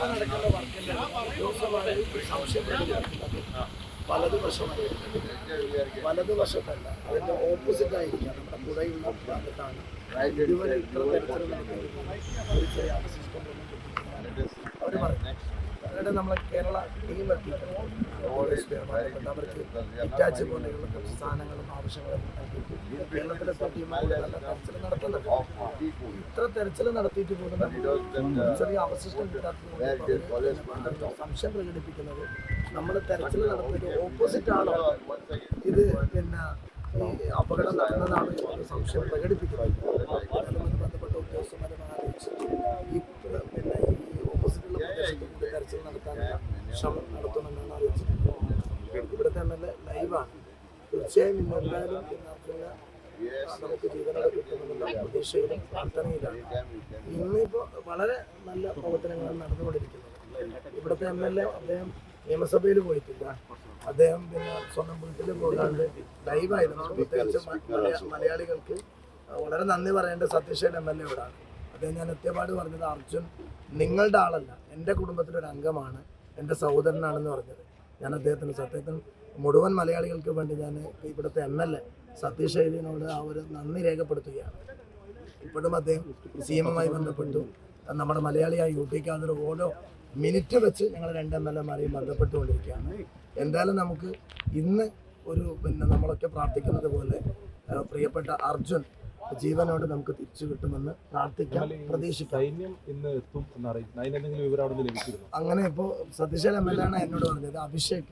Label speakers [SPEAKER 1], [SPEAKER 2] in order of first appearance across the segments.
[SPEAKER 1] നടക്കുന്ന വർക്കിന്റെ ദിവസമായി സംശയം വലതുവശത്തല്ല, അതിന്റെ ഓപ്പോസിറ്റ് ആയിരിക്കാം. നമ്മുടെ പുഴയുള്ള ഭാഗത്താണ് ഇതുവരെ ഇത്ര തരത്തിലുള്ള ഒരു ചെറിയ അവശിഷ്ടം അവർ പറഞ്ഞു. അവരുടെ നമ്മളെ കേരള ടീം എത്തിയിട്ടുണ്ട്. അവർക്ക് ഇറ്റാച്ച് പോലെയുള്ള കുറച്ച് സാധനങ്ങളും ആവശ്യങ്ങളും കേരളത്തിലെ ടീമുകൾ നല്ല തെരച്ചിൽ നടത്തുന്നുണ്ട്. ഇത്ര തെരച്ചിൽ നടത്തിയിട്ട് പോലും ചെറിയ അവശിഷ്ടം കിട്ടാത്തത് സംശയം പ്രകടിപ്പിക്കുന്നത് നമ്മൾ തെരച്ചിൽ നടത്തുന്നത് ഓപ്പോസിറ്റ് ആണോ, ഇത് പിന്നെ ഈ അപകടം നടന്നതാണ് എന്നൊരു സംശയം പ്രകടിപ്പിക്കുന്നത്. അതുമായി ബന്ധപ്പെട്ട ഉദ്യോഗസ്ഥന്മാരെ ആലോചിച്ച് ഈ പിന്നെ ഈ ഓപ്പോസിറ്റുള്ള പ്രദേശത്ത് കൂടി തെരച്ചിൽ നടത്താനുള്ള ശ്രമം നടത്തുമെന്നാണ് അറിയിച്ചിട്ടുള്ളത്. ഇവിടുത്തെ MLA ലൈവാണ്. തീർച്ചയായും ഇന്ന് എന്തായാലും നമുക്ക് ജീവനോടെ കിട്ടുമെന്നുള്ള പ്രതീക്ഷയിലും പ്രാർത്ഥനയിലാണ്. ഇന്നിപ്പോൾ വളരെ നല്ല പ്രവർത്തനങ്ങളാണ് നടന്നുകൊണ്ടിരിക്കുന്നത്. ഇവിടുത്തെ MLA അദ്ദേഹം നിയമസഭയിൽ പോയിട്ടില്ല. അദ്ദേഹം പിന്നെ സ്വന്തം വീട്ടിൽ പോകാണ്ട് ലൈവായിരുന്നു. പ്രത്യേകിച്ച് മലയാളികൾക്ക് വളരെ നന്ദി പറയേണ്ട സതീശൻ MLA യോടാണ്. അദ്ദേഹം ഞാൻ എത്തിയപാട് പറഞ്ഞത്, അർജുൻ നിങ്ങളുടെ ആളല്ല, എൻ്റെ കുടുംബത്തിലൊരു അംഗമാണ്, എൻ്റെ സഹോദരനാണെന്ന് പറഞ്ഞത്. ഞാൻ അദ്ദേഹത്തിന് സത്യത്തിന് മുഴുവൻ മലയാളികൾക്ക് വേണ്ടി ഞാൻ ഇവിടുത്തെ MLA സതീഷ് ശൈലിനോട് ആ ഒരു നന്ദി രേഖപ്പെടുത്തുകയാണ്. ഇപ്പോഴും അദ്ദേഹം CM-മായി ബന്ധപ്പെട്ടു നമ്മുടെ മലയാളിയായ UT ഖാദർ ഓരോ മിനിറ്റ് വെച്ച് ഞങ്ങൾ 2 MLA-മാരെയും ബന്ധപ്പെട്ടുകൊണ്ടിരിക്കുകയാണ്. എന്തായാലും നമുക്ക് ഇന്ന് ഒരു പിന്നെ നമ്മളൊക്കെ പ്രാർത്ഥിക്കുന്നത് പോലെ പ്രിയപ്പെട്ട അർജുൻ ജീവനോട് നമുക്ക് തിരിച്ചു കിട്ടുമെന്ന് പ്രാർത്ഥിക്കാം, പ്രതീക്ഷിക്കാം. അങ്ങനെ ഇപ്പോ സതീശൻ MLA ആണ് എന്നോട് പറഞ്ഞത്. Abhishek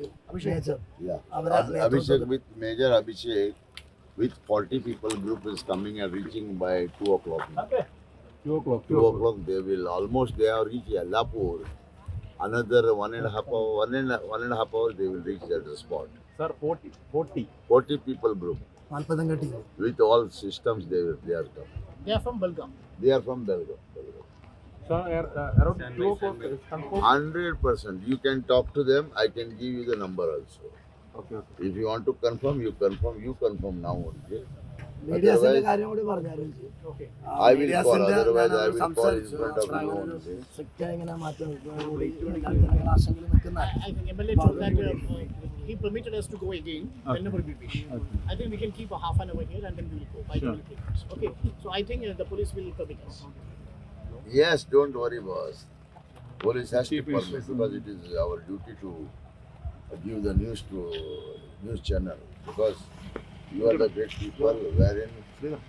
[SPEAKER 2] Major Abhishek with 40 people group is coming and reaching by 2 o'clock. 2 o'clock they will almost they have reached Yallapur. Another 1.5 hour they will reach at the spot.
[SPEAKER 3] Sir,
[SPEAKER 2] 40 people group.
[SPEAKER 1] 40 team.
[SPEAKER 2] With all systems they are come.
[SPEAKER 4] They are from Belgaum.
[SPEAKER 2] They are from Belgaum.
[SPEAKER 3] sir, around 2 o'clock is confirmed.
[SPEAKER 2] 100%. You can talk to them. I can give you the number also.
[SPEAKER 3] Okay.
[SPEAKER 2] If you want to confirm, you confirm now only.
[SPEAKER 1] മീഡിയാസിന്റെ കാര്യം കൂടി പറഞ്ഞാലും
[SPEAKER 2] I will call. Otherwise, I will call in front of you only.
[SPEAKER 1] ഇങ്ങനെ മാറ്റം
[SPEAKER 4] I think MLA told that he permitted us to go again whenever we wish. I think we can keep a half an hour here and then we will go by 20 minutes. Okay. So I think the police will permit us.
[SPEAKER 2] Yes, don't worry, boss. Police has to permit because it is our duty to give the news to news channel because you are the great people wherein